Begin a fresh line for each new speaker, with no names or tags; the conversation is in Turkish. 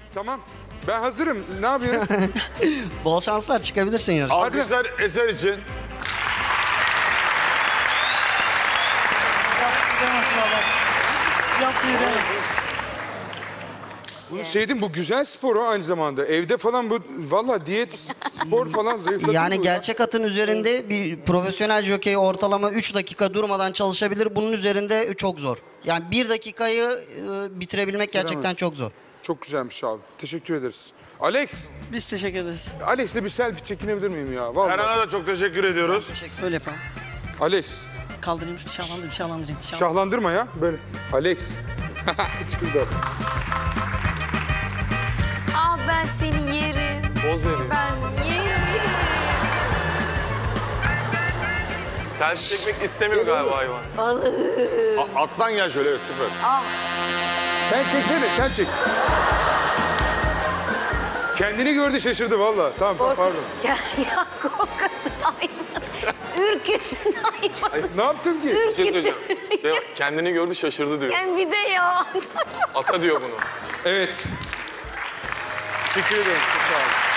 Tamam. Ben hazırım. Ne yapıyoruz?
Bol şanslar, çıkabilirsin yarışa.
Alkışlar Eser için.
Bunu sevdim. Bu güzel spor o aynı zamanda. Evde falan bu valla diyet spor falan zayıflatıyor.
Yani gerçek atın üzerinde bir profesyonel jokey ortalama 3 dakika durmadan çalışabilir. Bunun üzerinde çok zor. Yani 1 dakikayı bitirebilmek gerçekten çok zor.
Çok güzelmiş abi. Teşekkür ederiz. Alex.
Biz teşekkür ederiz.
Alex'le bir selfie çekinebilir miyim ya? Vallahi.
Erhan'a da çok teşekkür ediyoruz.
Böyle yapalım.
Alex.
Kaldırayım, şahlandırayım.
Şahlandırma ya. Böyle. Alex. Çıkıldı.
Ah ben seni yerim.
Poz veriyor.
Ben yerim.
Selfie çekmek istemiyor galiba hayvan.
Alttan gel şöyle, evet süper.
Sen çeksene, sen çek. Kendini gördü şaşırdı valla. Tamam, pardon.
Ya korkutun hayvan. Ürkütün hayvan.
Ne yaptım ki?
Bir şey söyleyeceğim. Kendini gördü şaşırdı diyor.
Yani bir de ya.
Ata diyor bunu.
Evet. Teşekkür ederim. Çok sağ olun.